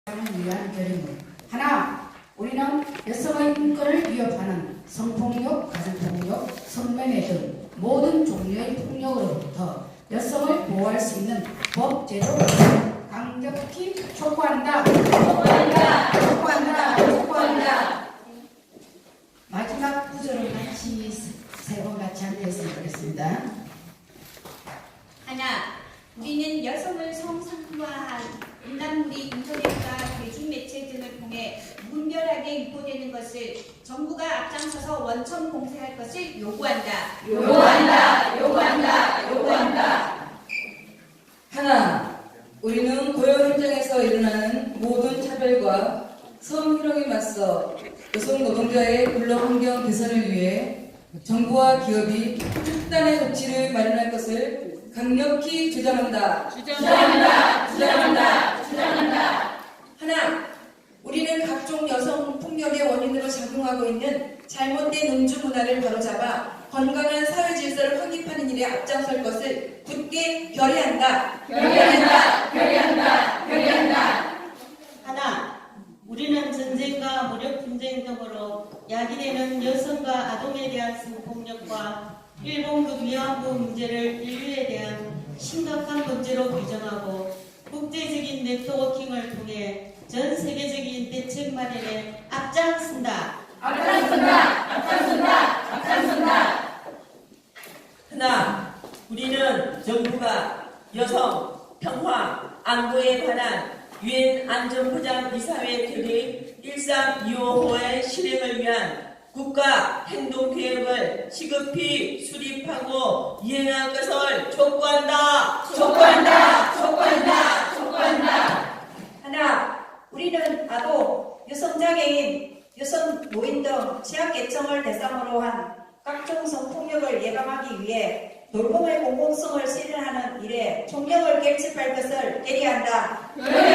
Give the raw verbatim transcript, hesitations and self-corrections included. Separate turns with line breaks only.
위한 결의문. 하나, 우리는 여성의 인권을 위협하는 성폭력, 가정폭력, 성매매 등 모든 종류의 폭력으로부터 여성을 보호할 수 있는 법, 제도, 강력히 촉구한다. 촉구한다. 촉구한다. 촉구한다. 마지막 구절을 같이 세 번 같이 함께했으면 좋겠습니다.
하나, 우리는 여성을 성상화한 음란물이 인터넷과 대중매체 등을 통해 무분별하게 유포되는 것을 정부가 앞장서서 원천 봉쇄할 것을 요구한다.
요구한다. 요구한다. 요구한다.
하나, 우리는 고용 현장에서 일어나는 모든 차별과 성희롱에 맞서 여성 노동자의 근로 환경 개선을 위해 정부와 기업이 특단의 조치를 마련할 것을 강력히 주장한다.
주장한다. 주장한다. 주장한다.
하나, 우리는 각종 여성 폭력의 원인으로 작용하고 있는 잘못된 음주 문화를 바로잡아 건강한 사회 질서를 확립하는 일에 앞장설 것을 굳게 결의한다.
결의한다. 결의한다. 결의한다.
하나, 우리는 전쟁과 무력 분쟁 등으로 야기되는 여성과 아동에 대한 성폭력과 일본군 위안부 문제를 인류에 대한 심각한 문제로 규정하고 국제적인 네트워킹을 통해 전 세계적인 대책 마련에 앞장선다.
앞장선다. 앞장선다. 앞장선다.
하나, 우리는 정부가 여성, 평화, 안보에 관한 유엔 안전보장이사회 결의 일삼이오호의 실행을 위한 국가 행동계획을 시급히 수립하고 이행할 것을 촉구한다.
촉구한다. 촉구한다. 촉구한다.
하나, 우리는 아동, 여성장애인, 여성 노인 등 취약계층을 대상으로 한 각종 성폭력을 예방하기 위해 돌봄의 공공성을 실현하는 일에 총력을 결집할 것을 결의한다.
결의한다.